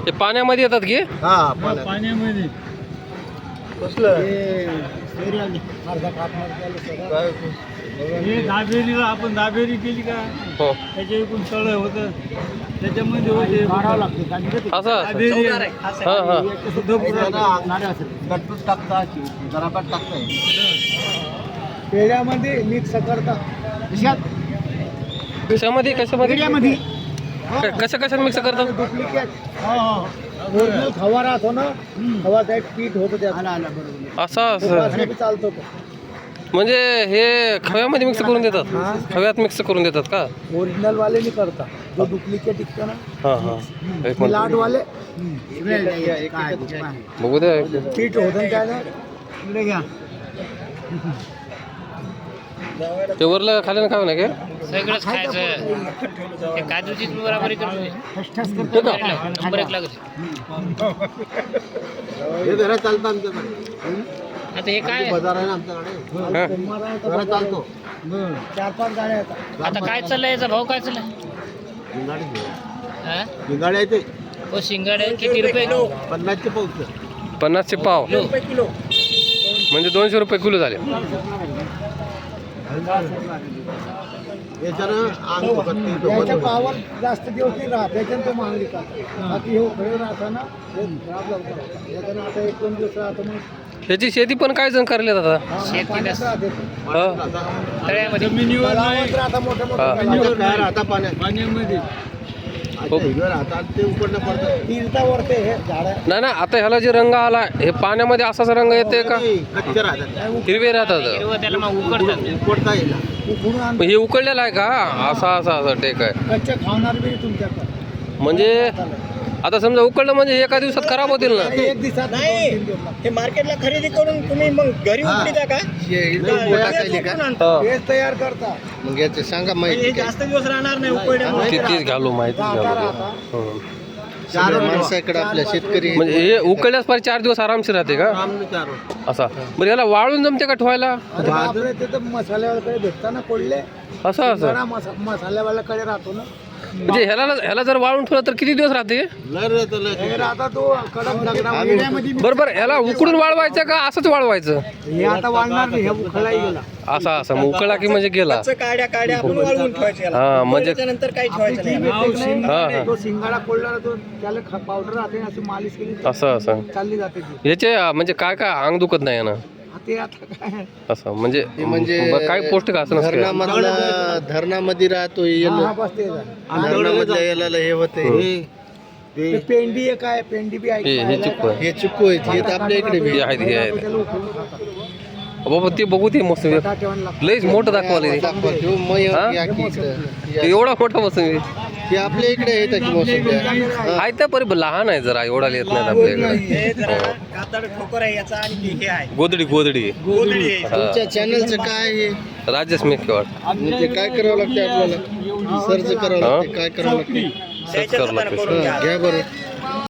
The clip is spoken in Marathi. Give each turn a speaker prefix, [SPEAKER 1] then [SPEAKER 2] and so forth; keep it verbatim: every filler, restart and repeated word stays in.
[SPEAKER 1] ते पाण्यामध्ये येतात की
[SPEAKER 2] हा पाण्यात.
[SPEAKER 3] पाण्यामध्ये
[SPEAKER 2] कसलं काय?
[SPEAKER 3] हे दाबेरीला आपण दाबेरी केली का
[SPEAKER 1] हो
[SPEAKER 3] त्याच्या एकूण तळ होतं त्याच्यामध्ये होते
[SPEAKER 1] असं असं.
[SPEAKER 3] दाबेरी
[SPEAKER 1] हा हा
[SPEAKER 2] गटूट टाकता जराबाट टाकताय
[SPEAKER 3] पेढ्यामध्ये मिक्स करता
[SPEAKER 1] कशामध्ये कशामध्ये
[SPEAKER 3] पेढ्यामध्ये
[SPEAKER 1] क- कशा कशात मिक्स करतात
[SPEAKER 3] डुप्लिकेट ओरिजिनल खवा राहतो ना खवाचा एक पीठ होतं त्या
[SPEAKER 1] असं असं
[SPEAKER 3] चालतो
[SPEAKER 1] म्हणजे हे खव्यामध्ये मिक्स करून देतात खव्यात मिक्स करून देतात का
[SPEAKER 3] ओरिजिनल वाले नाही करता जो डुप्लिकेट विकतो ना
[SPEAKER 1] हा हा एक
[SPEAKER 3] मिलाट
[SPEAKER 1] मिनिट
[SPEAKER 3] वाले
[SPEAKER 1] बघू द्या एक.
[SPEAKER 3] पीठ होतं काय ना इकडे घ्या
[SPEAKER 1] ते वरलं खाली ना खावं ना काय
[SPEAKER 4] सगळंच खायचं हे काजूचीच बराबरी करतो
[SPEAKER 1] हे का?
[SPEAKER 4] नंबर एक लागत
[SPEAKER 2] हे जरा चालतं आमच्याकडे
[SPEAKER 4] आता हे काय
[SPEAKER 2] बाजार आहे ना आमच्याकडे
[SPEAKER 1] हा.
[SPEAKER 2] जरा चालतो
[SPEAKER 3] चार पाच गाड्या येतात
[SPEAKER 4] आता काय चाललंय याचा भाव काय चाललाय हा?
[SPEAKER 2] भिंगाडे आहे ते
[SPEAKER 4] हो शिंगाडे किती रुपये
[SPEAKER 2] पन्नासचे पाऊस
[SPEAKER 1] पन्नासचे पाव म्हणजे दोनशे रुपये किलो झाले
[SPEAKER 2] याच्यानं अंग दुखत नाही, डोकं
[SPEAKER 3] त्याच्या
[SPEAKER 2] दुखत
[SPEAKER 3] पावर जास्त दिवस नाही राहत त्याच्यानं तो महाग विकतात बाकी हे उखळे राहतं ना हे खराब लवकर होतं. याच्यानं आता एक दोन दिवस राहतं मग
[SPEAKER 1] ह्याची शेती पण काय जण करले आता
[SPEAKER 3] हा,
[SPEAKER 4] शेती
[SPEAKER 3] पाण्यात
[SPEAKER 4] नस-
[SPEAKER 3] राहते.
[SPEAKER 1] हा.
[SPEAKER 4] तळ्यामध्ये
[SPEAKER 3] तलावात राहतं मोठं
[SPEAKER 1] हा.
[SPEAKER 3] मोठं
[SPEAKER 2] नाही. काय राहता पाण्यात
[SPEAKER 3] पाण्यामध्ये
[SPEAKER 2] आता हिरव्या राहतात ते उकडणं पडतं
[SPEAKER 3] तीर्थावर ते हे झाडं
[SPEAKER 1] नाही ना आता ह्याला जे रंग आला हे पाण्यामध्ये असाच रंग येते का
[SPEAKER 2] नाही, कच्चे राहतात
[SPEAKER 1] हिरवे राहतात
[SPEAKER 4] हिरवं त्याला मग उकडतात
[SPEAKER 2] उकडता येईल
[SPEAKER 3] उकडून आण
[SPEAKER 1] मग हे उकळलेलं आहे का असा असा असा टेक आहे
[SPEAKER 3] कच्चे खावणार बी तुमच्याकडे
[SPEAKER 1] म्हणजे आता समजा उकळलं म्हणजे एका दिवसात खराब होतील ना
[SPEAKER 3] एक दिवसात दोन तीन दिवस लागतात.
[SPEAKER 5] हे मार्केटला खरेदी करून तुम्ही मग घरी
[SPEAKER 2] हा.
[SPEAKER 5] उकळीता का
[SPEAKER 2] टाकायचे का
[SPEAKER 1] हा.
[SPEAKER 3] हेच तयार करता
[SPEAKER 2] मग याचे सांगा
[SPEAKER 5] हे
[SPEAKER 2] माहिती
[SPEAKER 5] जास्त दिवस राहणार नाही उकळल्यामुळे
[SPEAKER 1] ती- तीच घालू माहितीच
[SPEAKER 3] राहता
[SPEAKER 1] घालू
[SPEAKER 3] राहता
[SPEAKER 1] हं.
[SPEAKER 2] चार माणसाकडे आपल्या शेतकरी
[SPEAKER 1] म्हणजे हे उकळल्यास पार चार दिवस आरामशीर राहते का
[SPEAKER 2] चार
[SPEAKER 1] असा बरं याला वाळून जमते का ठेवायला
[SPEAKER 3] अरे बापरे ते तर मसाल्यावाल्याकडे भेटता ना कोल्हे
[SPEAKER 1] असं असं
[SPEAKER 3] बरा मसा मसाल्यावाल्याकडे राहतो ना
[SPEAKER 1] म्हणजे ह्याला ह्याला जर वाळून ठेवलं तर किती दिवस राहते
[SPEAKER 2] लय रे तर लय.
[SPEAKER 3] हे राहता तो कडक दगडामध्ये
[SPEAKER 1] बरोबर ह्याला उकडून वाळवायचं का असंच वाळवायचं
[SPEAKER 3] हे आता वाढणार नाही हे उखळाही गेला
[SPEAKER 1] असा असा मग उकळला की म्हणजे गेला
[SPEAKER 5] कच्चं काड्या काड्या आपण वाळवून ठेवायचे याला.
[SPEAKER 1] हा म्हणजे
[SPEAKER 5] उकळल्याच्यानंतर काही ठेवायचं
[SPEAKER 3] ती
[SPEAKER 5] नाही
[SPEAKER 3] भेटते की
[SPEAKER 1] हा,
[SPEAKER 3] नाही?
[SPEAKER 1] हा.
[SPEAKER 3] तो शिंगाडा कोल्हा तो त्याला पावडर राहते ना, अशी मालिश केली तर
[SPEAKER 1] असं असं
[SPEAKER 3] चालली जाते ती
[SPEAKER 1] याचे म्हणजे काय काय अंग दुखत नाही ना
[SPEAKER 3] हा, ते आता काय
[SPEAKER 1] असं म्हणजे
[SPEAKER 2] ते म्हणजे
[SPEAKER 1] ब- काय पौष्टिक असं नसतं
[SPEAKER 2] धरणामधला धरणामध्ये राहतो
[SPEAKER 3] हा,
[SPEAKER 2] येलो
[SPEAKER 3] हा, बस ते झालं.
[SPEAKER 2] धरणामधल्या याला हे होते हे
[SPEAKER 3] ते
[SPEAKER 2] ते
[SPEAKER 3] पेंडी एक आहे पेंडी बी
[SPEAKER 1] हे हे
[SPEAKER 3] आहे
[SPEAKER 1] चिक्कू आहे
[SPEAKER 2] हे चुकू आहेत हे तर आपल्या इकडे बी
[SPEAKER 1] हे आहेत हे आहेत
[SPEAKER 3] त्याला उकळून खातात.
[SPEAKER 1] बाबा ते बघू ते मस्त
[SPEAKER 3] बटाटा ठेवायला लागतं.
[SPEAKER 1] लईच मोठं दाखवायला ते.
[SPEAKER 2] दाखवा किंवा मग
[SPEAKER 1] हा?
[SPEAKER 2] या की इकडं. या.
[SPEAKER 1] एवढा मोठा मोसंबी
[SPEAKER 2] हे आपल्या इकडे येतं की मोसंबी
[SPEAKER 1] आहे त्या परी लहान आहे जरा एवढा येत नाही आपल्या इकडे
[SPEAKER 5] हे जरा कातड ठोकर आहे याचा आणि ते हे आहे
[SPEAKER 1] गोदडी गोदडी
[SPEAKER 5] गोधडी आहे.
[SPEAKER 2] तुमच्या चॅनलचं काय आहे
[SPEAKER 1] राजेश मेकेवाड
[SPEAKER 2] म्हणजे काय करावं लागतं आपल्याला सर्च करावं लागतं काय करावं लागतं
[SPEAKER 1] सर्च करावं लागतं
[SPEAKER 5] करून घ्या.
[SPEAKER 2] घ्या बरं